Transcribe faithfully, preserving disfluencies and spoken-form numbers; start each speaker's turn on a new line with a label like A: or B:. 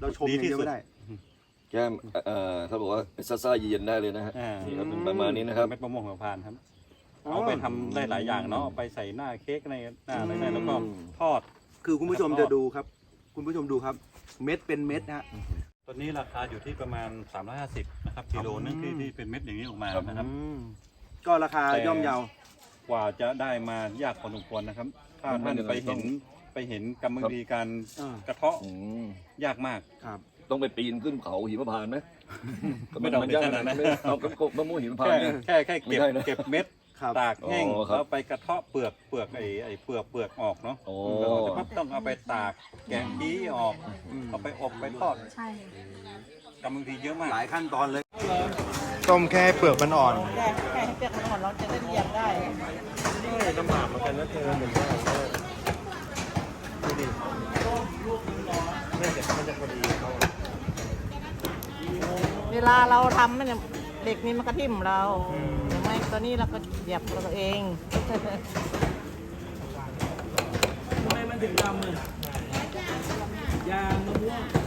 A: เราชมอย่างเดียวไม่ได้
B: แก้มเอ่อเขาบอกว่าซ่าซ่าเย็นได้เลยนะฮะนี่ครับเป็นประมาณนี้นะครับ
C: เม็ดมะม่วงหิมพานต์ครับเอาไปทำได้หลายอย่างเนาะเอาไปใส่หน้าเค้กในหน้าอะไรได้แล้วก็ทอด
A: คือคุณผู้ชมจะดูครับคุณผู้ชมดูครับเม็ดเป็นเม็ดนะฮะ
C: ตอนนี้ราคาอยู่ที่ประมาณสามร้อยห้าสิบนะครับกิโลนึงที่ที่เป็นเม็ดอย่างนี้ออกมานะครับ
A: ก็ราคาย่อมเยา
C: กว่าจะได้มายากพอสมควรนะครับถ้าท่านไปเห็นไปเห็นกรรมวิธีการกระเทาะยากมาก
A: ครับ
B: ต้องไปปีนขึ้นเขาหิมพานต์ไหม
C: ไม่ต้องไปขนาดนั้น
B: เอากระกบมะม่วงหิมพานต์
C: แค่แค่เก็บเก็บเม็ดตากแห้งแล้วไปกระเทาะเปลือกเปลือกไอ้ไอ้เปลือกเปลือกออกเนาะแล้วก็ต้องเอาไปตากแกะขี้ออกเอาไปอบไปทอด
D: ใช่
C: กรรมวิธีเยอะมาก
A: หลายขั้นตอนเลย
E: ต้มแค่เปลือกมันอ่อน
D: แค่แค่ให้เปลือกมันอ่อนเราจะได้เหยียบได้
E: ลำบากเหมือนกันนะเธอเหมือนกันดูดิเนี่ยเดี๋ยวมันจะพอดีเขา
D: เวลาเราทำเนี่ยเด็กนี่มันก็ทิ่มเราหรือไม่ตัวนี้เราก็เหยียบเราเอง
F: ทำไมมันถึงดำเลยยางมะม่วง